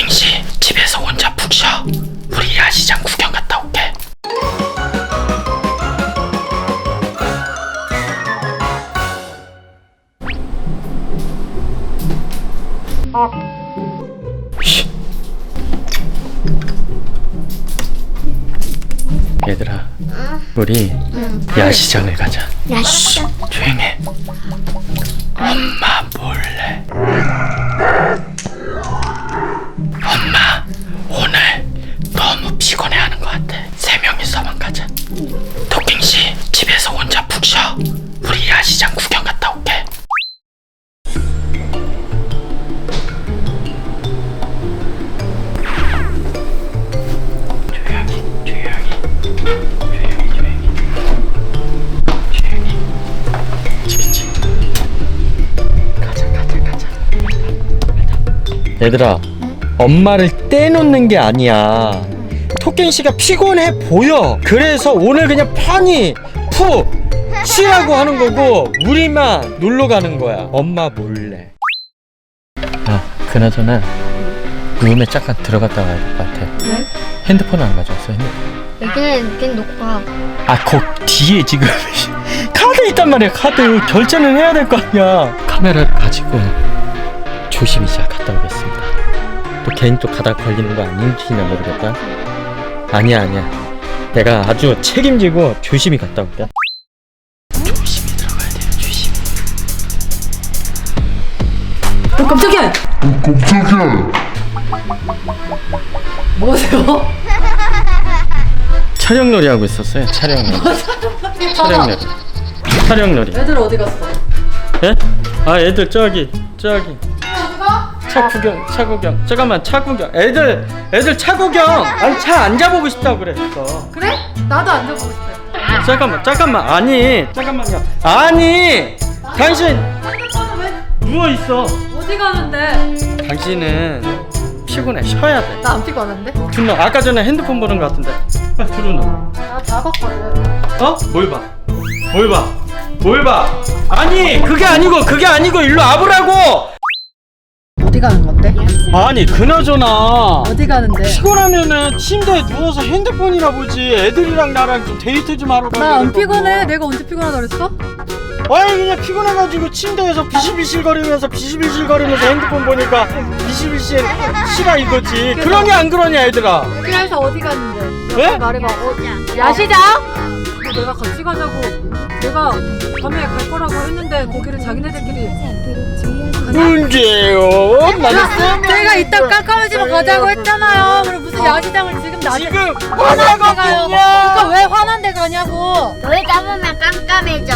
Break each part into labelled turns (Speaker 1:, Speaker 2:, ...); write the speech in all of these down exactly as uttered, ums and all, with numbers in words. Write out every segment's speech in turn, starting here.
Speaker 1: 토킹씨 집에서 혼자 푹 쉬어. 우리 야시장 구경 갔다 올게. 얘들아,
Speaker 2: 응.
Speaker 1: 우리
Speaker 2: 응.
Speaker 1: 야시장을 가자.
Speaker 2: 야시장?
Speaker 1: 조용해. 엄마 몰래. 엄마 오늘 너무 피곤해하는 것 같아. 세 명이서만 가자. 토킹씨 집에서 혼자 푹 쉬어. 우리 야시장 구경 갔다 올게. 조용히 조용히 조용히 조용히 조용히. 그치. 가자 가자 가자. 얘들아, 엄마를 떼놓는 게 아니야. 토끼씨가 피곤해 보여. 그래서 오늘 그냥 편히 푹 쉬라고 하는 거고 우리만 놀러 가는 거야. 엄마 몰래. 아, 그나저나 룸에 잠깐 들어갔다 와야 될 것 같아.
Speaker 2: 왜?
Speaker 1: 핸드폰 안 가져왔어. 핸드폰.
Speaker 2: 여기는 여기는 놓고 가.
Speaker 1: 아, 거 뒤에 지금 카드 있단 말이야. 카드 결제는 해야 될 거 아니야. 카메라를 가지고 조심히 잘 갔다 오겠습니다. 또 괜히 또 가다 걸리는 거 아닌지나 모르겠다. 아니야 아니야, 내가 아주 책임지고 조심히 갔다 올게. 조심히 들어가야 돼요. 조심히.
Speaker 3: 어, 깜짝이야!
Speaker 4: 깜짝이야!
Speaker 3: 뭐하세요?
Speaker 1: 촬영놀이 하고 있었어요. 촬영놀이. 촬영놀이. 촬영놀이.
Speaker 3: 애들 어디 갔어?
Speaker 1: 예? 아, 애들 저기 저기 차 구경, 차 구경. 잠깐만, 차 구경. 애들 애들 차 구경. 아니, 차 앉아보고 싶다고 그랬어.
Speaker 3: 그래? 나도 앉아보고 싶어요.
Speaker 1: 잠깐만 잠깐만. 아니 잠깐만요. 아니 당신
Speaker 3: 핸드폰은 왜
Speaker 1: 누워 있어.
Speaker 3: 어디 가는데?
Speaker 1: 당신은 피곤해. 쉬어야 돼.
Speaker 3: 나 안 피곤한데?
Speaker 1: 준호, 아까 전에 핸드폰 보는 거 같은데. 아, 준호.
Speaker 3: 나다 봤거든.
Speaker 1: 어? 뭘 봐? 뭘 봐? 뭘 봐? 아니 그게 아니고 그게 아니고 일로 와보라고.
Speaker 3: 어디 가는 건데?
Speaker 1: 아니 그나저나
Speaker 3: 어디 가는데?
Speaker 1: 피곤하면은 침대에 누워서 핸드폰이나 보지. 애들이랑 나랑 좀 데이트 좀 하러 가야
Speaker 3: 나 안
Speaker 1: 되는
Speaker 3: 피곤해.
Speaker 1: 거고.
Speaker 3: 내가 언제 피곤하다 그랬어?
Speaker 1: 아니 그냥 피곤해가지고 침대에서 비실비실 거리면서 비실비실 거리면서 핸드폰 보니까 비실비실 시라 이거지. 그러냐 안 그러냐 얘들아?
Speaker 3: 그래서 어디 갔는데?
Speaker 1: 왜?
Speaker 3: 말해봐. 어, 야시장? 너 내가 같이 가자고 내가 밤에 갈 거라고 했는데 거기를 자기네들끼리
Speaker 1: 문제요. 나는
Speaker 3: 내가 이따 깜깜해지면 가자고 했잖아요. 그럼 무슨 야시장을 지금 나한테
Speaker 1: 지금
Speaker 3: 화난 데 가요.
Speaker 1: 화나거든요.
Speaker 3: 그러니까 왜 화난 데 가냐고.
Speaker 2: 놀다 보면 깜깜해져.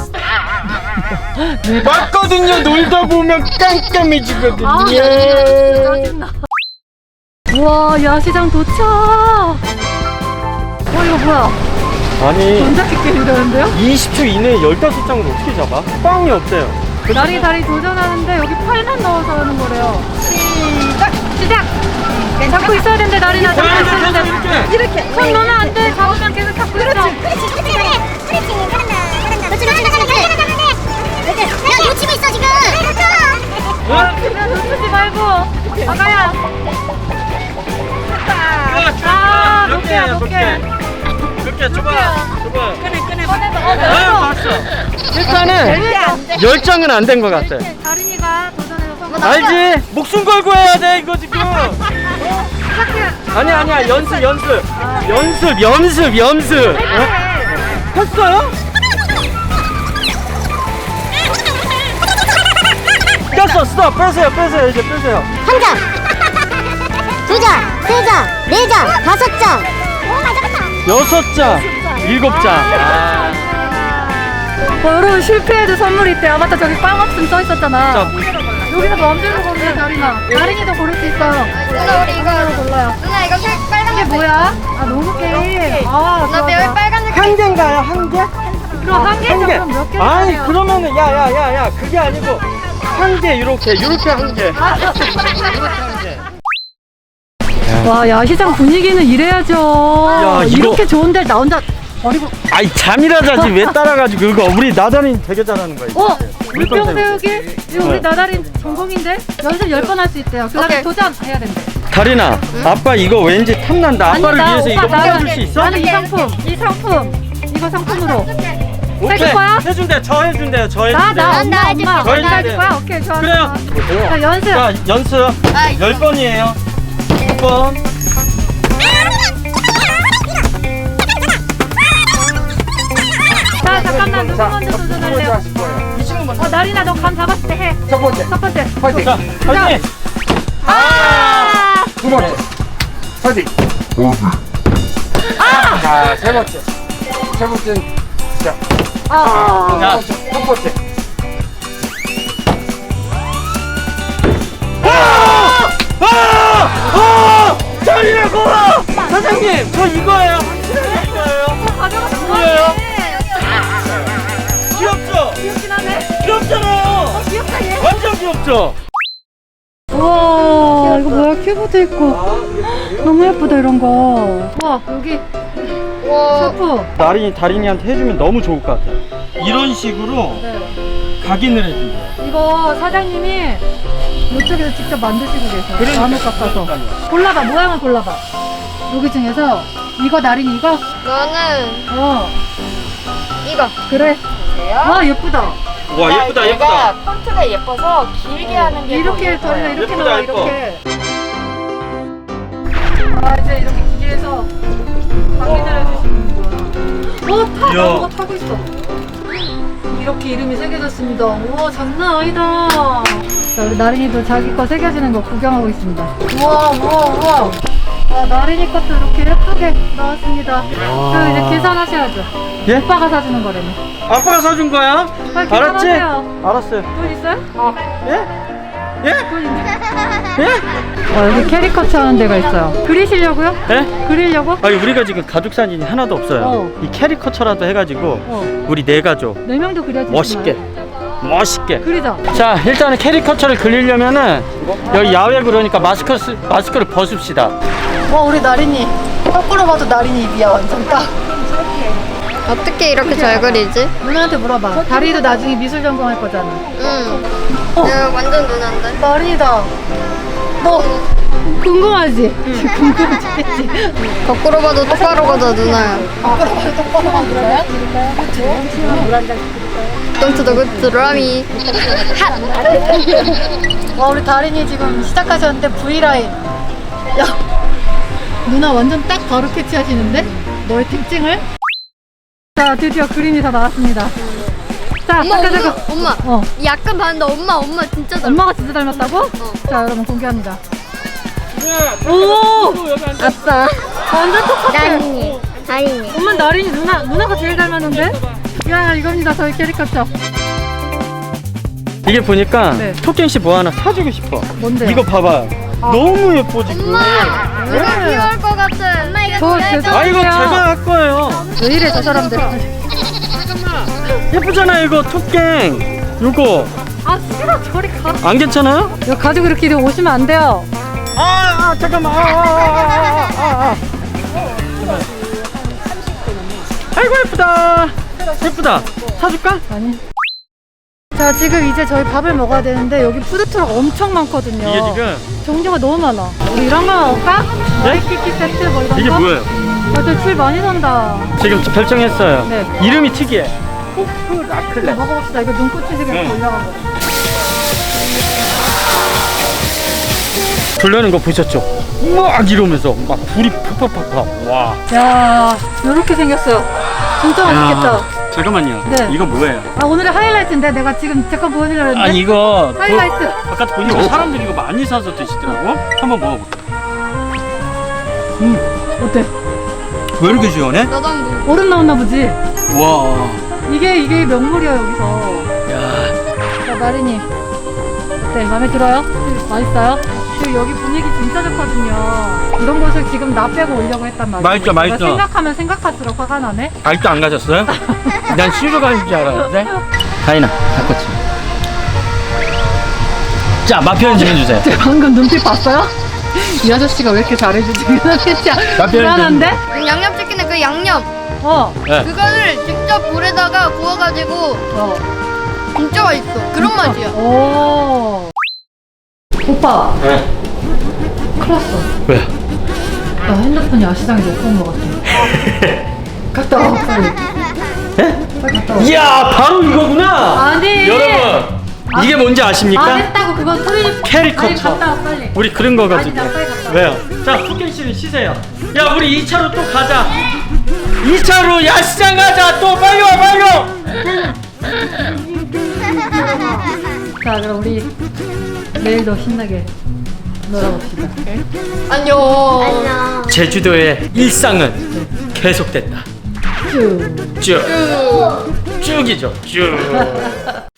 Speaker 1: 맞거든요. 놀다 보면 깜깜해지거든요.
Speaker 3: 아, 진짜 짜증나. 우와, 야시장 도착. 어, 이거 뭐야?
Speaker 1: 아니
Speaker 3: 전자기 게임이라는데요?
Speaker 1: 이십 초 이내에 열다섯 장을 어떻게 잡아? 꽝이 없어요.
Speaker 3: 나리 다리 도전하는데 여기 팔만 넣어서 하는 거래요. 시작! 시작! 잡고 있어야 되는데 나리나 잡고 있어야 되는데 이렇게 손 놓으면 안 돼. 잡으면 계속 잡고 있어.
Speaker 2: 그렇지, 그렇지, 그래. 스트레칭 잘한다, 잘한다. 그렇지, 잘한다, 잘한다, 잘한다. 야, 놓치고 있어 지금.
Speaker 3: 어? 그냥 놓치지 말고 아가야. 아, 몇 개야, 몇 개.
Speaker 1: 몇 개? 줘봐. 줘봐.
Speaker 3: 끄네, 끄네. 꺼내서. 어,
Speaker 1: 아,
Speaker 3: 됐어.
Speaker 1: 봤어. 일단은 열 장은 안 된 것 같아.
Speaker 3: 다린이가 도전해서 성공.
Speaker 1: 알지? 목숨 걸고 해야 돼 이거 지금. 아니야 아니야, 연습 연습 연습 연습 연습. 어? 했어요? 뺐어. 스톱. 빼세요 빼세요 이제 빼세요.
Speaker 2: 한 장, 두 장, 세 장, 네 장, 다섯 장. 오, 맞아, 맞아.
Speaker 1: 여섯 장, 일곱 장. 아.
Speaker 3: 어, 여러분 실패해도 선물이 있대요. 맞다, 저기 빵 없음 써 있었잖아.
Speaker 1: 자, 뭐.
Speaker 3: 여기서 마음대로 고르세요, 다린아. 다린이도 고를 수 있어요.
Speaker 2: 누나 우리 이거
Speaker 3: 골라요.
Speaker 2: 누나 이거 색 빨간
Speaker 3: 이게 뭐야? 아, 노루 게임. 아,
Speaker 2: 누나
Speaker 3: 좋아,
Speaker 2: 매일
Speaker 3: 좋아.
Speaker 2: 빨간색.
Speaker 1: 한 개인가요? 한 개?
Speaker 3: 그럼 한 개죠? 그럼 몇 개?
Speaker 1: 아니 그러면은 야야야야 그게 아니고 한 개 요렇게 요렇게 한 개. 요렇게 한 개.
Speaker 3: 와, 야시장 분위기는 이래야죠.
Speaker 1: 야, 이거-
Speaker 3: 이렇게 좋은데 나 혼자 버리고.
Speaker 1: 아이 잠이라 자지 왜 따라가지고 그거 우리 나다린 되게 잘하는 거야.
Speaker 3: 어?
Speaker 1: 물병
Speaker 3: 물병 세우기? 이거 우리
Speaker 1: 네.
Speaker 3: 나다린 전공인데? 연습 열 번 할 수 있대요. 그 다음에
Speaker 2: 오케이.
Speaker 3: 도전해야 된대.
Speaker 1: 다린아, 아빠 이거 왠지 탐난다. 아빠를
Speaker 3: 아니다,
Speaker 1: 위해서 이거
Speaker 3: 오빠, 나는-
Speaker 1: 뽑아줄 수 있어?
Speaker 3: 나는 이 상품, 이 상품, 이거 상품으로.
Speaker 1: 오케이.
Speaker 3: 해줄 거야?
Speaker 1: 해준대요. 저 해준대요. 저
Speaker 3: 나,
Speaker 1: 해준대요.
Speaker 3: 나,
Speaker 2: 나
Speaker 3: 엄마,
Speaker 2: 해줄게,
Speaker 3: 엄마.
Speaker 1: 나
Speaker 3: 나 해줄
Speaker 1: 해줄게.
Speaker 3: 거야? 오케이, 좋아.
Speaker 1: 그래요.
Speaker 3: 좋아. 자, 연습.
Speaker 1: 자, 연습
Speaker 2: 아,
Speaker 1: 열 번이에요. 한 번.
Speaker 3: 자, 잠깐만, 누구 먼저 도전할래요? 어, 나린아, 너 감 잡았을 때 해.
Speaker 4: 첫 번째,
Speaker 3: 첫 번째.
Speaker 4: 파이팅.
Speaker 1: 자, 파이팅.
Speaker 3: 아!
Speaker 4: 두 번째, 파이팅.
Speaker 3: 아!
Speaker 4: 자, 세 번째, 세 번째, 자,
Speaker 3: 아!
Speaker 1: 자,
Speaker 4: 첫 번째.
Speaker 1: 아! 아! 아! 다린아 고마워. 사장님, 저 이거예요. 이거예요.
Speaker 3: 가져가서
Speaker 1: 뭐예요? 귀엽죠?
Speaker 3: 귀엽긴 하네.
Speaker 1: 귀엽잖아요.
Speaker 3: 귀엽다, 얘.
Speaker 1: 완전 귀엽죠?
Speaker 3: 우와, 이거 뭐야? 큐브도 있고. 너무 예쁘다, 이런 거. 우와, 여기 샤프.
Speaker 1: 나린이 다린이한테 해주면 너무 좋을 것 같아요. 이런 식으로
Speaker 3: 네.
Speaker 1: 각인을 해준대요.
Speaker 3: 이거 사장님이 이쪽에서 직접 만드시고 계세요.
Speaker 1: 그러니까.
Speaker 3: 나무 깎아서. 골라봐, 모양을 골라봐. 여기 중에서 이거 나린이 이거?
Speaker 2: 너는
Speaker 3: 어,
Speaker 2: 이거.
Speaker 3: 그래. 와, 예쁘다.
Speaker 1: 와 예쁘다 예쁘다.
Speaker 2: 폰트가 예뻐서 길게 하는 게
Speaker 3: 이렇게 저리가 이렇게
Speaker 1: 예쁘다,
Speaker 3: 나와,
Speaker 1: 예뻐.
Speaker 3: 이렇게. 아, 이제 이렇게 기계에서 확인을 해주시는구나. 어, 타!
Speaker 1: 이야.
Speaker 3: 나 뭐가 타고 있어. 이렇게 이름이 새겨졌습니다. 우와, 장난 아니다. 자, 우리 나린이도 자기 거 새겨지는 거 구경하고 있습니다. 우와, 우와, 우와. 아, 나린이 것도 이렇게 예쁘게 나왔습니다. 그럼 이제 계산하셔야죠.
Speaker 1: 예?
Speaker 3: 오빠가 사주는 거라네.
Speaker 1: 아빠가 사준 거야?
Speaker 3: 빨리
Speaker 1: 알았지?
Speaker 3: 계산하세요.
Speaker 1: 알았어요.
Speaker 3: 돈 있어요?
Speaker 1: 예? 예?
Speaker 3: 돈 있네.
Speaker 1: 예?
Speaker 3: 어, 여기 캐리커처 하는 데가 있어요. 그리시려고요?
Speaker 1: 예?
Speaker 3: 그리려고?
Speaker 1: 아니 우리가 지금 가족 사진이 하나도 없어요.
Speaker 3: 어.
Speaker 1: 이 캐리커처라도 해가지고
Speaker 3: 어,
Speaker 1: 우리 네 가족
Speaker 3: 네 명도 그려야지.
Speaker 1: 멋있게 멋있게.
Speaker 3: 그리자.
Speaker 1: 자 일단은 캐리커처를 그리려면은 여기 야외 그러니까 마스크 쓰, 마스크를 벗읍시다.
Speaker 3: 와, 우리 나린이. 거꾸로 봐도 나린이 입이야, 완전 딱.
Speaker 2: 어떻게 이렇게 잘 그리지?
Speaker 3: 누나한테 물어봐. 다리도 나중에 미술 전공할 거잖아.
Speaker 2: 응.
Speaker 3: 어.
Speaker 2: 내가 완전 누난데.
Speaker 3: 나린이다. 너 궁금하지? 궁금해 죽겠지?
Speaker 2: 거꾸로 봐도 똑바로 가도 누나야.
Speaker 3: 거꾸로 봐도 똑바로 만들어요?
Speaker 2: 똥투도 그 드라미.
Speaker 3: 와, 우리 다린이 지금 시작하셨는데 V라인. 야, 누나 완전 딱 바로 캐치하시는데? 너의 특징을? 자, 드디어 그림이 다 나왔습니다. 자,
Speaker 2: 엄마,
Speaker 3: 잠깐,
Speaker 2: 엄마,
Speaker 3: 잠깐.
Speaker 2: 엄마.
Speaker 3: 어,
Speaker 2: 약간 봤는데 엄마, 엄마 진짜 닮아.
Speaker 3: 엄마가 진짜 닮았다고?
Speaker 2: 어.
Speaker 3: 자, 여러분 공개합니다. 오!
Speaker 2: 아빠.
Speaker 3: 완전 똑같아.
Speaker 2: 다린이. 다린이.
Speaker 3: 엄마 나린이 누나, 누나가 제일 닮았는데? 야, 이겁니다, 저희 캐리커처.
Speaker 1: 이게 보니까
Speaker 3: 네.
Speaker 1: 토끼씨 뭐 하나 사주고 싶어.
Speaker 3: 뭔데요?
Speaker 1: 이거 봐봐요. 너무 예뻐 지금.
Speaker 2: 엄마. 누가
Speaker 3: 네.
Speaker 2: 귀여울 것 같아. 엄마 이거
Speaker 3: 저
Speaker 2: 귀여울
Speaker 3: 죄송-
Speaker 2: 것
Speaker 1: 아 이거
Speaker 3: 그래요.
Speaker 1: 제가 할 거예요.
Speaker 3: 왜 이래, 저 사람들.
Speaker 1: 예쁘잖아요 이거 토깽. 요거
Speaker 3: 아, 싫어, 저리 가.
Speaker 1: 안 괜찮아요?
Speaker 3: 이거 가지고 이렇게 이리 오시면 안 돼요.
Speaker 1: 아, 아 잠깐만. 아, 아, 아, 아, 아, 아. 아이고 예쁘다. 예쁘다. 사줄까?
Speaker 3: 아니. 자, 지금 이제 저희 밥을 먹어야 되는데 여기 푸드트럭 엄청 많거든요.
Speaker 1: 이게 지금
Speaker 3: 종류가 너무 많아. 우리 이런 거 먹을까?
Speaker 1: 네?
Speaker 3: 와이키키 세트 뭐 이런
Speaker 1: 이게
Speaker 3: 거?
Speaker 1: 뭐예요?
Speaker 3: 다들 줄 많이 산다.
Speaker 1: 지금 결정했어요.
Speaker 3: 네.
Speaker 1: 이름이 특이해.
Speaker 3: 이거 먹어봅시다. 이거 눈꽃이 지금
Speaker 1: 응.
Speaker 3: 올라간 거.
Speaker 1: 불려는 거 보셨죠? 막 이러면서 막 불이 팍팍팍팍. 와.
Speaker 3: 야, 이렇게 생겼어요. 진짜 맛있겠다.
Speaker 1: 야, 잠깐만요.
Speaker 3: 네.
Speaker 1: 이거 뭐예요?
Speaker 3: 아, 오늘의 하이라이트인데 내가 지금 잠깐 보여주려고 했는데.
Speaker 1: 아니 이거
Speaker 3: 하이라이트.
Speaker 1: 그, 바깥 보니까 사람들이 이거 많이 사서 드시더라고. 한번 먹어볼게요.
Speaker 3: 어때?
Speaker 1: 왜 이렇게 시원해?
Speaker 2: 나도 한번.
Speaker 3: 얼음 나왔나 보지?
Speaker 1: 와.
Speaker 3: 이게 이게 명물이야 여기서.
Speaker 1: 야.
Speaker 3: 자, 나린이 어때? 마음에 들어요? 맛있어요? 그리고 여기 분위기 진짜 좋거든요. 이런 곳을 지금 나 빼고 오려고 했단 말이야.
Speaker 1: 맛있죠, 맛있죠.
Speaker 3: 내가 생각하면 생각할수록 화가 나네.
Speaker 1: 아직도 안 가셨어요? 난 쉬러 가는 줄 알았는데. 가인아, 닭꼬치. 자, 맛 표현 좀 해주세요.
Speaker 3: 방금 눈빛 봤어요? 이 아저씨가 왜 이렇게 잘해주지? 진짜
Speaker 1: 표현 좀-
Speaker 3: 불안한데?
Speaker 2: 양념치킨에 그 양념.
Speaker 3: 어,
Speaker 1: 네.
Speaker 5: 그거를 직접 물에다가 구워가지고
Speaker 3: 어.
Speaker 5: 진짜 맛있어. 그런 맛이야.
Speaker 3: 오. 오빠,
Speaker 1: 네.
Speaker 3: 큰일 났어.
Speaker 1: 왜?
Speaker 3: 나 핸드폰이 아시장에 놓고 온 것 같아. 갔다 와, 빨리. 빨리 갔다 와.
Speaker 1: 이야, 바로 이거구나.
Speaker 3: 아니.
Speaker 1: 여러분, 이게 뭔지 아십니까?
Speaker 3: 안 했다고 그건 소리.
Speaker 1: 캐리커처.
Speaker 3: 아니, 갔다 와, 빨리.
Speaker 1: 우리 그런 거 가지고.
Speaker 3: 아니, 나 빨리 갔다 와.
Speaker 1: 왜요? 자, 후켄 씨는 쉬세요. 야, 우리 이 차로 또 가자. 이 차로 야시장 가자. 또 빨리 와, 빨리 와.
Speaker 3: 자, 그럼 우리 내일도 신나게 놀아봅시다.
Speaker 5: 안녕.
Speaker 2: 안녕.
Speaker 1: 제주도의 일상은 계속된다.
Speaker 3: 쭉.
Speaker 1: 쭉. 쭉이죠. 쭉.